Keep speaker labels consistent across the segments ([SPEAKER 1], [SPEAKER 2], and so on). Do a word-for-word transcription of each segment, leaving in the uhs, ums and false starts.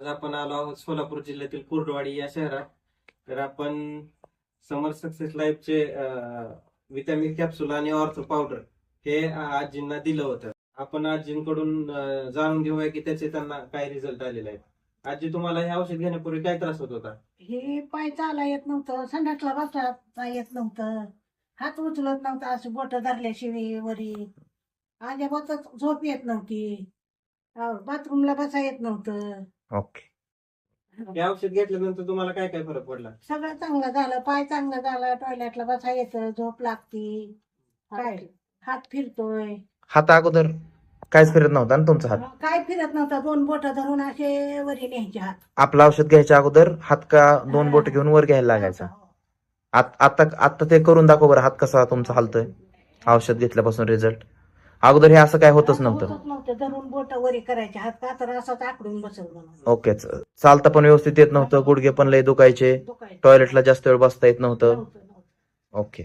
[SPEAKER 1] आज आपण आलो आहोत सोलापूर जिल्ह्यातील कुर्डवाडी या शहरात. तर आपण समर सक्सेस लाईफचे विटॅमिन कॅप्सूल आणि ऑर्थो पावडर हे आजींना दिलं होतं. आपण आजींकडून अं, जाणून घेऊया की त्याचे त्यांना काय रिझल्ट आलेले आहेत. आजी, तुम्हाला हे औषध घेण्यापूर्वी काय त्रास होत होता?
[SPEAKER 2] हे पाय चाला येत नव्हतं, संडासला बसता येत नव्हतं, हात उचलत नव्हता, असं बोट धरल्याशिवाय वरी अजिबातच झोप येत नव्हती, बाथरूमला बसा येत नव्हतं.
[SPEAKER 3] ओके.
[SPEAKER 1] हे औषध घेतल्यानंतर तुम्हाला काय काय फरक पडला?
[SPEAKER 2] सगळं चांगलं झालं, पाय चांगलं झालं, टॉयलेटला बसा येतं, झोप लागती, काय हात फिरतोय.
[SPEAKER 3] हात अगोदर काहीच फिरत नव्हता ना तुमचा हात?
[SPEAKER 2] काय फिरत नव्हता, दोन बोट धरून असे वरी न्यायचे हात.
[SPEAKER 3] आपलं औषध घ्यायच्या अगोदर हात का दोन बोट घेऊन वर घ्यायला लागायचा?
[SPEAKER 2] हो.
[SPEAKER 3] आत- आता आता ते करून दाखव बरं, हात कसा तुमचा हालतोय औषध घेतल्यापासून. रिझल्ट अगोदर हे असं काय होतच
[SPEAKER 2] असं
[SPEAKER 3] नव्हतं?
[SPEAKER 2] होतच नव्हतं, धरून बोट वरी करायचे, हात का तर असाच आकडून बसवलं.
[SPEAKER 3] ओके. चालता पण व्यवस्थित येत नव्हतं, गुडघे पण लय दुखायचे,
[SPEAKER 2] दुखायचं.
[SPEAKER 3] टॉयलेटला जास्त वेळ बसता येत नव्हतं.
[SPEAKER 2] नव्हतं, नव्हतं.
[SPEAKER 3] ओके.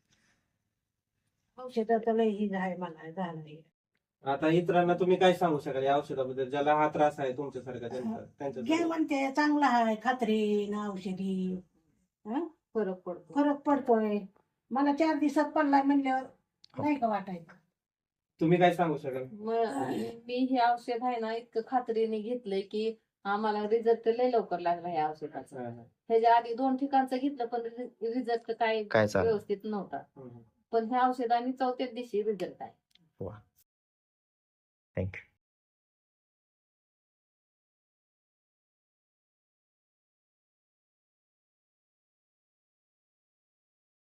[SPEAKER 2] औषधाचं लय ही आहे मला झालं हे.
[SPEAKER 1] आता इतरांना तुम्ही काय सांगू शकाल या औषधाबद्दल, ज्याला हा त्रास आहे तुमच्यासारखा त्यांचा
[SPEAKER 2] घे
[SPEAKER 1] त्यांच्या
[SPEAKER 2] म्हणते चांगला आहे, खात्रीन औषधी हं?
[SPEAKER 4] फरक पडतो.
[SPEAKER 2] फरक पडतोय. मला चार दिवसात पडलाय म्हणल्यावर नाही का वाटायचं.
[SPEAKER 1] तुम्ही काय सांगू शकाल?
[SPEAKER 4] मग मी हे औषध आहे ना इतकं खात्रीने घेतलंय की आम्हाला रिझल्ट लय लवकर लागला या औषधाचा.
[SPEAKER 1] हा, हा.
[SPEAKER 4] ह्याच्या आधी दोन ठिकाणचं घेतलं पण रिझल्ट काय
[SPEAKER 3] काय चाललं?
[SPEAKER 4] व्यवस्थित नव्हता.
[SPEAKER 1] हम्म.
[SPEAKER 4] पण ह्या औषधाने चौथ्याच दिवशी रिझल्ट आहे.
[SPEAKER 3] थँक्यू.